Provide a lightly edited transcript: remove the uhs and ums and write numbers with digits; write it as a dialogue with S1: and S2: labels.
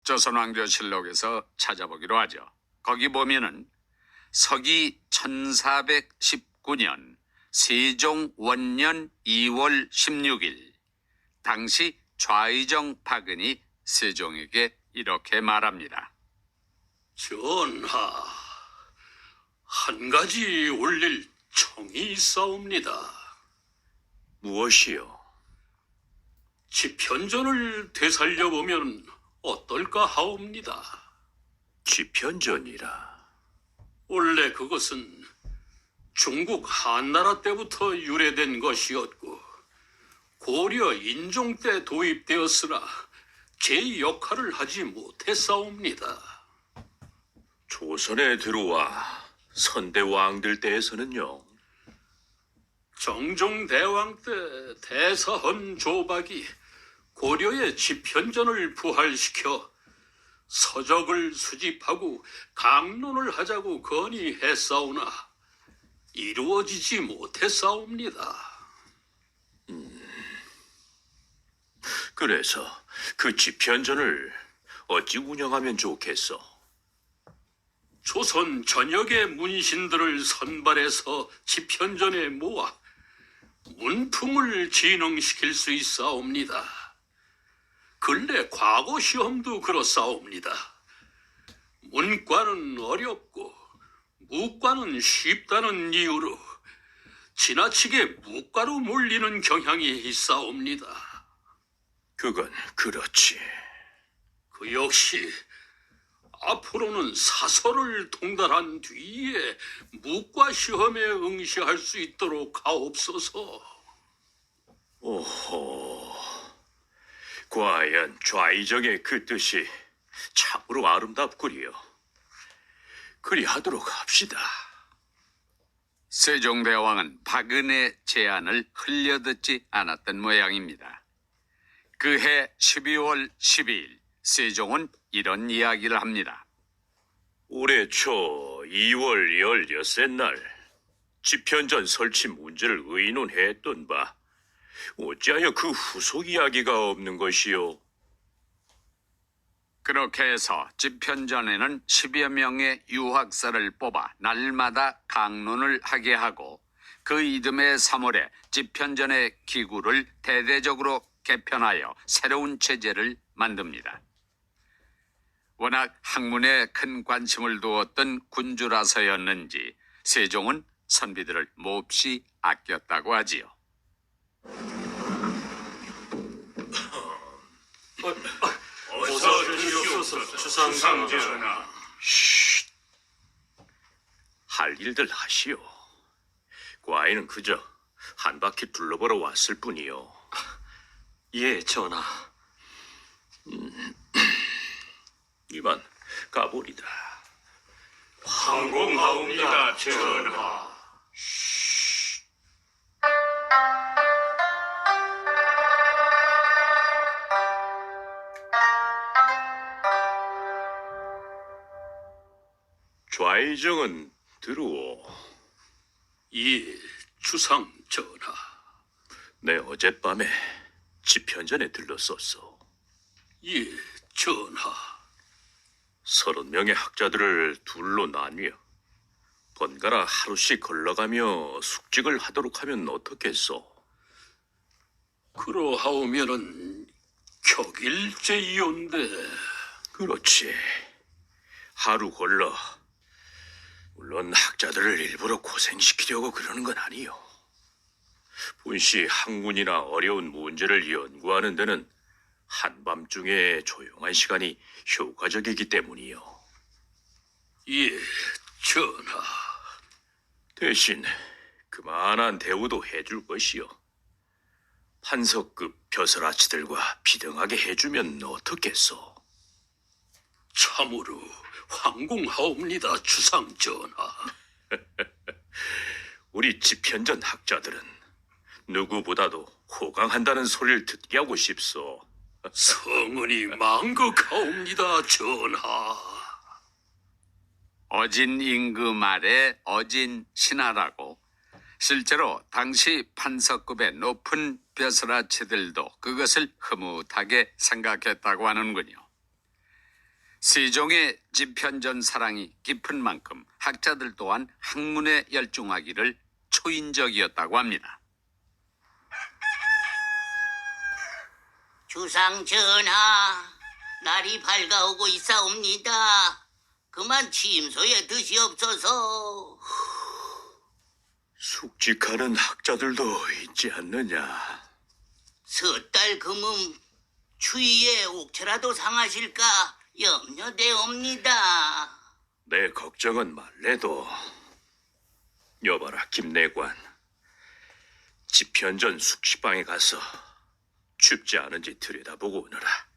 S1: 조선왕조실록에서 찾아보기로 하죠. 거기 보면은 서기 1419년 세종 원년 2월 16일 당시 좌의정 박은이 세종에게 이렇게 말합니다.
S2: 전하, 한 가지 올릴 청이 있사옵니다.
S3: 무엇이요?
S2: 집현전을 되살려보면 어떨까 하옵니다.
S3: 집현전이라.
S2: 원래 그것은 중국 한나라 때부터 유래된 것이었고 고려 인종 때 도입되었으나 제 역할을 하지 못했사옵니다.
S3: 조선에 들어와 선대왕들 때에서는요.
S2: 정종대왕 때 대사헌 조박이 고려의 집현전을 부활시켜 서적을 수집하고 강론을 하자고 건의했사오나 이루어지지 못했사옵니다.
S3: 그래서 그 집현전을 어찌 운영하면 좋겠어?
S2: 조선 전역의 문신들을 선발해서 집현전에 모아 문풍을 진흥시킬 수 있사옵니다. 근래 과거 시험도 그렇사옵니다. 문과는 어렵고 무과는 쉽다는 이유로 지나치게 무과로 몰리는 경향이 있사옵니다.
S3: 그건 그렇지.
S2: 그 역시 앞으로는 사설을 통달한 뒤에 무과 시험에 응시할 수 있도록 하옵소서.
S3: 오호. 과연 좌의정의 그 뜻이 참으로 아름답구려. 그리하도록 합시다.
S1: 세종대왕은 박은의 제안을 흘려듣지 않았던 모양입니다. 그해 12월 12일 세종은 이런 이야기를 합니다.
S3: 올해 초 2월 16날 집현전 설치 문제를 의논했던 바 어찌하여 그 후속 이야기가 없는 것이요?
S1: 그렇게 해서 집현전에는 10여 명의 유학사를 뽑아 날마다 강론을 하게 하고 그 이듬해 3월에 집현전의 기구를 대대적으로 개편하여 새로운 체제를 만듭니다. 워낙 학문에 큰 관심을 두었던 군주라서였는지 세종은 선비들을 몹시 아꼈다고 하지요.
S2: 어서 주시옵소서, 주상전하.
S3: 할 일들 하시오. 과인은 그저 한 바퀴 둘러보러 왔을 뿐이요.
S4: 예, 전하.
S3: 이만 가보리다.
S2: 항공하옵니다, 전하.
S3: 좌의정은 들어오.
S2: 예, 주상전하.
S3: 내 어젯밤에 집현전에 들렀었어.
S2: 예, 전하.
S3: 30명의 학자들을 둘로 나뉘어 번갈아 하루씩 걸러가며 숙직을 하도록 하면 어떻겠소?
S2: 그러하오면은 격일제이온데.
S3: 그렇지. 하루 걸러. 물론 학자들을 일부러 고생시키려고 그러는 건 아니요. 분시 학문이나 어려운 문제를 연구하는 데는 한밤중에 조용한 시간이 효과적이기 때문이요.
S2: 예, 전하.
S3: 대신 그만한 대우도 해줄 것이요. 판서급 벼슬아치들과 비등하게 해주면 어떻겠소?
S2: 참으로 황공하옵니다, 주상전하.
S3: 우리 집현전 학자들은 누구보다도 호강한다는 소리를 듣게 하고 싶소.
S2: 성은이 망극하옵니다, 전하.
S1: 어진 임금 말에 어진 신하라고 실제로 당시 판서급의 높은 벼슬아치들도 그것을 흐뭇하게 생각했다고 하는군요. 세종의 집현전 사랑이 깊은 만큼 학자들 또한 학문에 열중하기를 초인적이었다고 합니다.
S5: 주상 전하, 날이 밝아오고 있사옵니다. 그만 침소에 드시옵소서.
S3: 숙직하는 학자들도 있지 않느냐.
S5: 섣달 금음 추위에 옥체라도 상하실까 염려되옵니다.
S3: 내 걱정은 말래도. 여봐라, 김내관. 집현전 숙식방에 가서 춥지 않은지 들여다보고 오너라.